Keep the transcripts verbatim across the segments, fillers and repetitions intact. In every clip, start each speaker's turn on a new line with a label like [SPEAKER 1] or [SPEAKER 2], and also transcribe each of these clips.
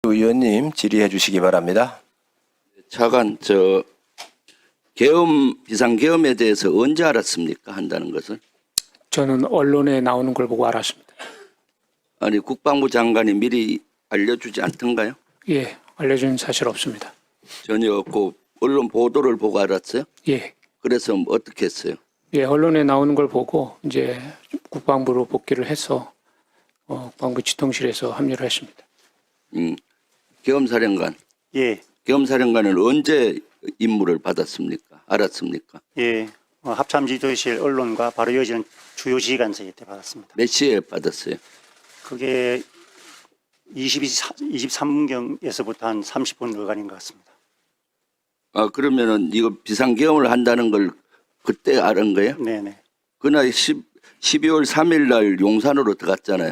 [SPEAKER 1] 주 의원님 질의해 주시기 바랍니다.
[SPEAKER 2] 차관, 저 계엄 비상계엄에 대해서 언제 알았습니까? 한다는 것을.
[SPEAKER 3] 저는 언론에 나오는 걸 보고 알았습니다.
[SPEAKER 2] 아니 국방부 장관이 미리 알려주지 않던가요?
[SPEAKER 3] 예, 알려준 사실 없습니다.
[SPEAKER 2] 전혀 없고 언론 보도를 보고 알았어요?
[SPEAKER 3] 예,
[SPEAKER 2] 그래서 어떻게 했어요?
[SPEAKER 3] 예, 언론에 나오는 걸 보고 이제 국방부로 복귀를 해서 어, 국방부 지통실에서 합류를 했습니다.
[SPEAKER 2] 음, 계엄사령관.
[SPEAKER 4] 예,
[SPEAKER 2] 계엄사령관은 언제 임무를 받았습니까? 알았습니까?
[SPEAKER 4] 예. 어, 합참지도실 언론과 바로 이어지는 주요 지휘관서에 때 받았습니다.
[SPEAKER 2] 몇 시에 받았어요?
[SPEAKER 4] 그게 이십삼 분경에서부터 한 삼십 분 어간인 것 같습니다.
[SPEAKER 2] 아 그러면은 이거 비상계엄을 한다는 걸 그때 알은 거예요?
[SPEAKER 4] 네네.
[SPEAKER 2] 그날 십이월 삼일 날 용산으로 들어갔잖아요.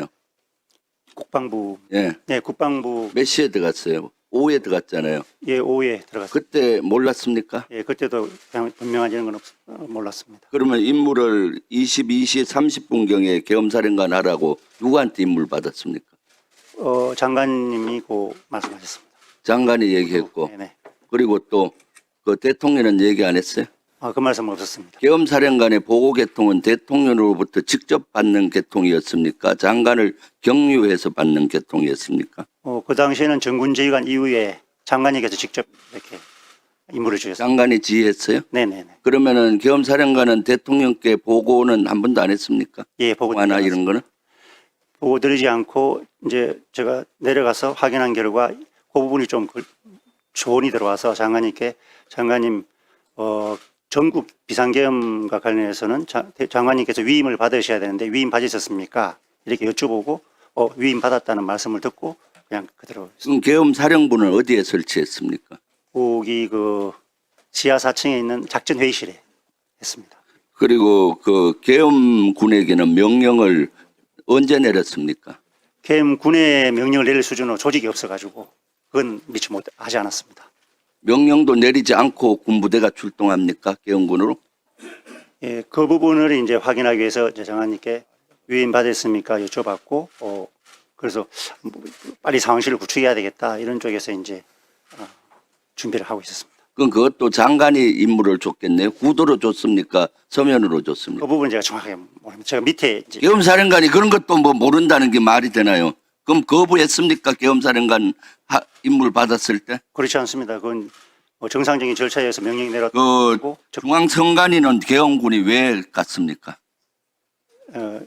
[SPEAKER 4] 국방부,
[SPEAKER 2] 예.
[SPEAKER 4] 네, 국방부,
[SPEAKER 2] 몇 시에 들어갔어요? 오후에 들어갔잖아요.
[SPEAKER 4] 예, 오후에 들어갔습니다.
[SPEAKER 2] 그때 몰랐습니까?
[SPEAKER 4] 예, 그때도 그냥 분명하지는 건 없, 어, 몰랐습니다.
[SPEAKER 2] 그러면 임무를 이십이 시 삼십 분경에 계엄사령관 하라고 누구한테 임무를 받았습니까?
[SPEAKER 4] 어, 장관님이 고 말씀하셨습니다.
[SPEAKER 2] 장관이 얘기했고
[SPEAKER 4] 네네.
[SPEAKER 2] 그리고 또 그 대통령은 얘기 안 했어요?
[SPEAKER 4] 아, 그 말씀은 없었습니다.
[SPEAKER 2] 계엄사령관의 보고 개통은 대통령으로부터 직접 받는 개통이었습니까? 장관을 경유해서 받는 개통이었습니까?
[SPEAKER 4] 어, 그 당시에는 정군지휘관 이후에 장관님께서 직접 이렇게 임무를 주셨습니다.
[SPEAKER 2] 장관이 지휘했어요?
[SPEAKER 4] 네네네.
[SPEAKER 2] 그러면은 계엄사령관은 대통령께 보고는 한 번도 안 했습니까?
[SPEAKER 4] 예, 보고
[SPEAKER 2] 하나 이런 거는?
[SPEAKER 4] 보고 드리지 않고 이제 제가 내려가서 확인한 결과 그 부분이 좀 그- 조언이 들어와서 장관님께 장관님 어, 전국 비상계엄과 관련해서는 자, 대- 장관님께서 위임을 받으셔야 되는데 위임 받으셨습니까? 이렇게 여쭤보고 어, 위임 받았다는 말씀을 듣고 그냥 그대로
[SPEAKER 2] 그럼 계엄사령부는 어디에 설치했습니까?
[SPEAKER 4] 거기 그 지하 사 층에 있는 작전 회의실에 했습니다.
[SPEAKER 2] 그리고 그 계엄군에게는 명령을 언제 내렸습니까?
[SPEAKER 4] 계엄 군의 명령을 내릴 수준으로 조직이 없어가지고 그건 미처 못 하지 않았습니다.
[SPEAKER 2] 명령도 내리지 않고 군부대가 출동합니까? 계엄군으로?
[SPEAKER 4] 예, 그 부분을 이제 확인하기 위해서 이제 장관님께 위임 받았습니까 여쭤봤고, 어, 그래서 뭐 빨리 상황실을 구축해야 되겠다 이런 쪽에서 이제 어, 준비를 하고 있었습니다.
[SPEAKER 2] 그럼 그것도 장관이 임무를 줬겠네요. 구도로 줬습니까? 서면으로 줬습니까?
[SPEAKER 4] 그 부분 제가 정확하게 모릅니다. 제가 밑에 이제
[SPEAKER 2] 계엄사령관이 그런 것도 뭐 모른다는 게 말이 되나요? 그럼 거부했습니까? 계엄사령관 하- 임무를 받았을 때?
[SPEAKER 4] 그렇지 않습니다. 그건 뭐 정상적인 절차에 의해서 명령이
[SPEAKER 2] 그
[SPEAKER 4] 내렸고, 저-
[SPEAKER 2] 중앙선관위는 계엄군이 왜 갔습니까?
[SPEAKER 4] 어,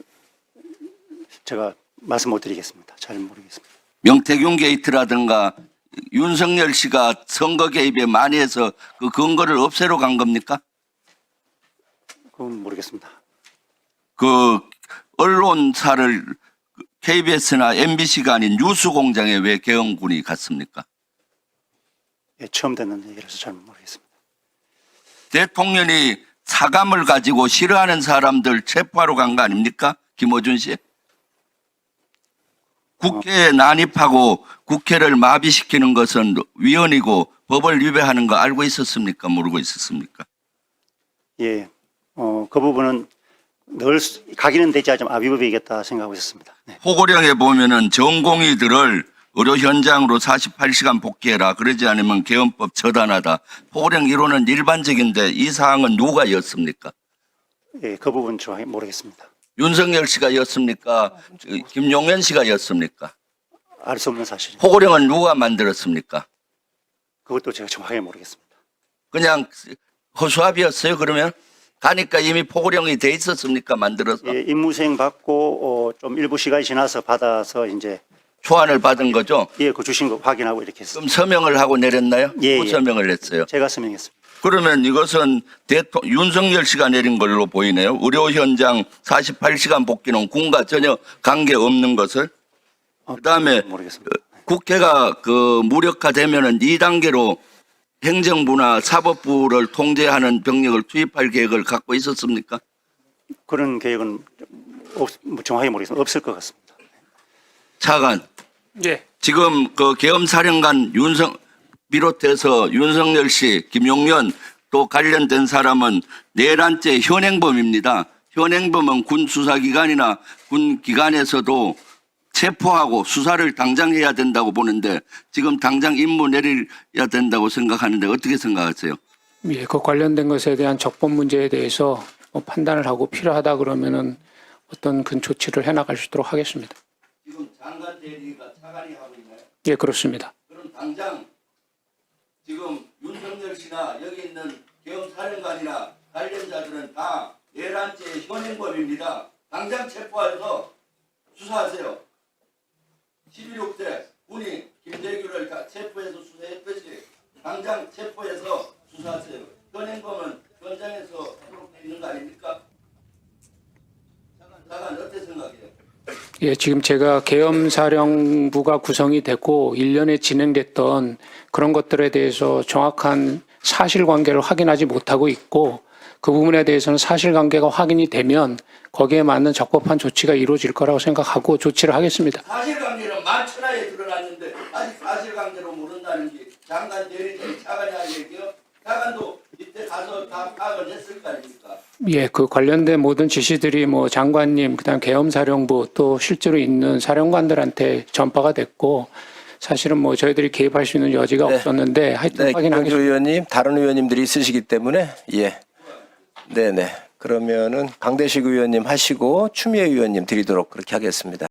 [SPEAKER 4] 제가 말씀 못 드리겠습니다. 잘 모르겠습니다.
[SPEAKER 2] 명태균 게이트라든가 윤석열 씨가 선거 개입에 많이 해서 그 근거를 없애러 간 겁니까?
[SPEAKER 4] 그건 모르겠습니다.
[SPEAKER 2] 그 언론사를 케이비에스나 엠비씨가 아닌 뉴스공장에 왜 계엄군이 갔습니까?
[SPEAKER 4] 예, 처음 듣는 얘기라서 잘 모르겠습니다.
[SPEAKER 2] 대통령이 사감을 가지고 싫어하는 사람들 체포하러 간 거 아닙니까? 김어준 씨. 국회에 난입하고 국회를 마비시키는 것은 위헌이고 법을 위배하는 거 알고 있었습니까? 모르고 있었습니까?
[SPEAKER 4] 예, 어, 그 부분은 늘 수- 가기는 되지 않지만 아비법이겠다 생각하고 있었습니다. 네.
[SPEAKER 2] 포고령에 보면은 전공의들을 의료 현장으로 사십팔 시간 복귀해라. 그러지 않으면 계엄법 처단하다. 포고령 이론은 일반적인데 이 사항은 누가 였습니까?
[SPEAKER 4] 예, 그 부분 정확히 모르겠습니다.
[SPEAKER 2] 윤석열 씨가 였습니까? 김용현 씨가 였습니까?
[SPEAKER 4] 알 수 없는 사실입니다.
[SPEAKER 2] 포고령은 누가 만들었습니까?
[SPEAKER 4] 그것도 제가 정확하게 모르겠습니다.
[SPEAKER 2] 그냥 허수아비였어요. 그러면 가니까 이미 포고령이 돼 있었습니까? 만들어서
[SPEAKER 4] 예, 임무수행 받고 어, 좀 일부 시간이 지나서 받아서 이제
[SPEAKER 2] 초안을 받은 거죠.
[SPEAKER 4] 예, 그 주신 거 확인하고 이렇게 했습니다.
[SPEAKER 2] 그럼 서명을 하고 내렸나요?
[SPEAKER 4] 예,
[SPEAKER 2] 또
[SPEAKER 4] 예.
[SPEAKER 2] 서명을 했어요.
[SPEAKER 4] 제가 서명했습니다.
[SPEAKER 2] 그러면 이것은 대통령 윤석열 씨가 내린 걸로 보이네요. 의료 현장 사십팔 시간 복귀는 군과 전혀 관계 없는 것을.
[SPEAKER 4] 어,
[SPEAKER 2] 그다음에
[SPEAKER 4] 모르겠습니다.
[SPEAKER 2] 국회가 그 무력화되면은 이 단계로 행정부나 사법부를 통제하는 병력을 투입할 계획을 갖고 있었습니까?
[SPEAKER 4] 그런 계획은 없, 뭐 정확하게 모르겠습니다. 없을 것 같습니다.
[SPEAKER 2] 차관,
[SPEAKER 3] 예,
[SPEAKER 2] 지금 그 계엄사령관 윤석 비롯해서 윤석열 씨, 김용현 또 관련된 사람은 내란죄 현행범입니다. 현행범은 군 수사기관이나 군 기관에서도 체포하고 수사를 당장 해야 된다고 보는데 지금 당장 임무 내려야 된다고 생각하는데 어떻게 생각하세요?
[SPEAKER 3] 예, 그 관련된 것에 대한 적법 문제에 대해서 뭐 판단을 하고 필요하다 그러면은 어떤 그 조치를 해나갈 수 있도록 하겠습니다.
[SPEAKER 2] 지금 장관 대리가 차관이 하고 있나요?
[SPEAKER 3] 예, 그렇습니다.
[SPEAKER 2] 그럼 당장 지금 윤석열 씨나 여기 있는 계엄사령관이나 관련자들은 다 내란죄의 현행범입니다. 당장 체포해서 수사하세요. 십일억 대 군이 김대규를 다 체포해서 수사했듯이 당장 체포해서 수사하세요. 현행범은 현장에서 기록되어 있는 거 아닙니까? 장관 어떻게 생각해요?
[SPEAKER 3] 예, 지금 제가 계엄사령부가 구성이 되고 일 년에 진행됐던 그런 것들에 대해서 정확한 사실관계를 확인하지 못하고 있고 그 부분에 대해서는 사실관계가 확인이 되면 거기에 맞는 적법한 조치가 이루어질 거라고 생각하고 조치를 하겠습니다.
[SPEAKER 2] 사실관계는 만천하에 드러났는데 아직 사실관계로 모른다는 게 장관 대리인이 차관이 할 얘기요? 차관도 이때 가서 다 파악을 했을 거 아닙니까?
[SPEAKER 3] 예, 그 관련된 모든 지시들이 뭐 장관님, 그다음 계엄사령부 또 실제로 있는 사령관들한테 전파가 됐고 사실은 뭐 저희들이 개입할 수 있는 여지가
[SPEAKER 1] 네.
[SPEAKER 3] 없었는데 하여튼
[SPEAKER 1] 네,
[SPEAKER 3] 확인하겠습니다.
[SPEAKER 1] 김경주 의원님, 다른 의원님들이 있으시기 때문에 예, 네네. 그러면은 강대식 의원님 하시고 추미애 의원님 드리도록 그렇게 하겠습니다.